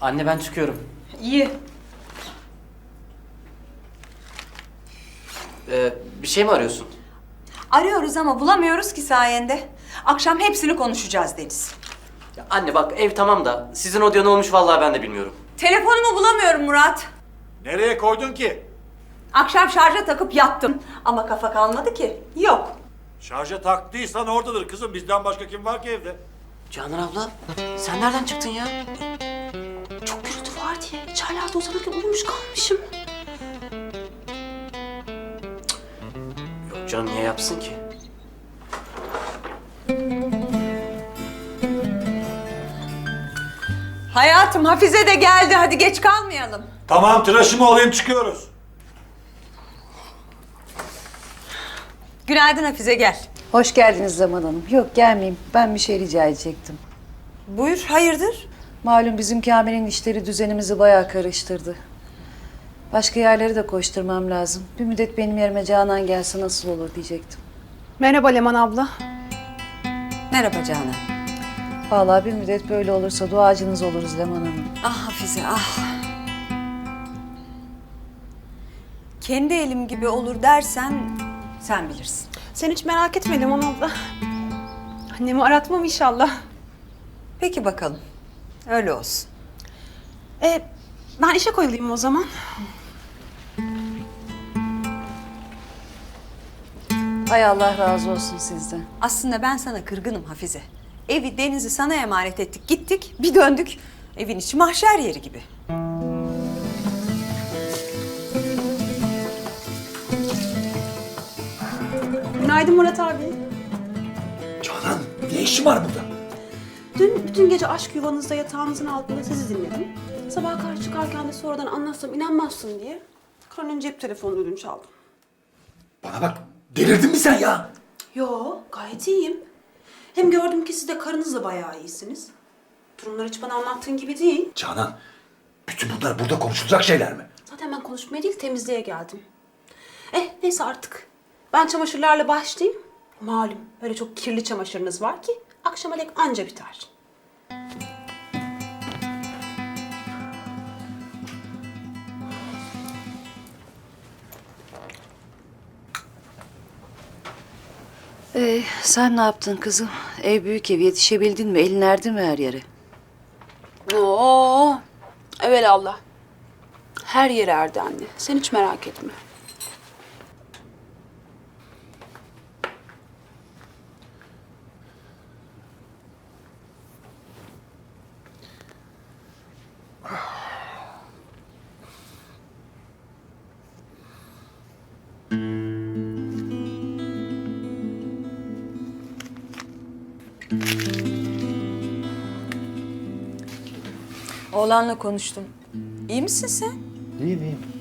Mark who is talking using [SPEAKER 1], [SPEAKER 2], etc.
[SPEAKER 1] Anne ben çıkıyorum.
[SPEAKER 2] İyi.
[SPEAKER 1] Bir şey mi arıyorsun?
[SPEAKER 2] Arıyoruz ama bulamıyoruz ki sayende. Akşam hepsini konuşacağız Deniz.
[SPEAKER 1] Ya anne bak ev tamam da sizin odaya ne olmuş vallahi ben de bilmiyorum.
[SPEAKER 2] Telefonumu bulamıyorum Murat.
[SPEAKER 3] Nereye koydun ki?
[SPEAKER 2] Akşam şarja takıp yattım. Ama kafa kalmadı ki. Yok.
[SPEAKER 3] Şarja taktıysan oradadır kızım. Bizden başka kim var ki evde?
[SPEAKER 1] Canan abla sen nereden çıktın ya?
[SPEAKER 4] Çok gürültü var diye içerlerde uzanırken uyumuş kalmışım.
[SPEAKER 1] Yok canım niye yapsın ki?
[SPEAKER 2] Hayatım Hafize de geldi. Hadi geç kalmayalım.
[SPEAKER 3] Tamam, tıraşımı alayım, çıkıyoruz.
[SPEAKER 2] Günaydın Hafize, gel.
[SPEAKER 5] Hoş geldiniz Zaman Hanım. Yok gelmeyeyim. Ben bir şey rica edecektim.
[SPEAKER 2] Buyur, hayırdır?
[SPEAKER 5] Malum bizim Kamil'in işleri düzenimizi bayağı karıştırdı. Başka yerleri de koşturmam lazım. Bir müddet benim yerime Canan gelse nasıl olur diyecektim.
[SPEAKER 4] Merhaba Leman abla.
[SPEAKER 2] Merhaba Canan.
[SPEAKER 5] Vallahi bir müddet böyle olursa duacınız oluruz Leman Hanım.
[SPEAKER 2] Ah Hafize, ah. Kendi elim gibi olur dersen sen bilirsin.
[SPEAKER 4] Sen hiç merak etme Leman abla. Annemi aratmam inşallah.
[SPEAKER 2] Peki bakalım. Öyle olsun.
[SPEAKER 4] Ben işe koyulayım o zaman.
[SPEAKER 5] Hay Allah razı olsun sizden.
[SPEAKER 2] Aslında ben sana kırgınım Hafize. Evi, Deniz'i sana emanet ettik, gittik, bir döndük. Evin içi mahşer yeri gibi.
[SPEAKER 4] Günaydın Murat abi.
[SPEAKER 3] Canan, ne işin var burada?
[SPEAKER 4] Dün bütün gece aşk yuvanızda yatağınızın altında sizi dinledim. Sabaha karşı çıkarken de sonradan anlatsam inanmazsın diye Karan'ın cep telefonu ödünç aldım.
[SPEAKER 3] Bana bak, delirdin mi sen ya?
[SPEAKER 4] Yo, gayet iyiyim. Hem gördüm ki siz de karınızla bayağı iyisiniz. Durumlar hiç bana anlattığın gibi değil.
[SPEAKER 3] Canan, bütün bunlar burada konuşulacak şeyler mi?
[SPEAKER 4] Zaten ben konuşmaya değil temizliğe geldim. Neyse artık. Ben çamaşırlarla başlayayım. Malum öyle çok kirli çamaşırınız var ki akşama dek anca biter.
[SPEAKER 5] Sen ne yaptın kızım? Ev büyük ev, yetişebildin mi? Elin erdi mi her yere?
[SPEAKER 4] Oo, evelallah. Her yer erdi anne. Sen hiç merak etme.
[SPEAKER 2] Oğlanla konuştum. İyi misin sen?
[SPEAKER 3] İyiyim, iyiyim.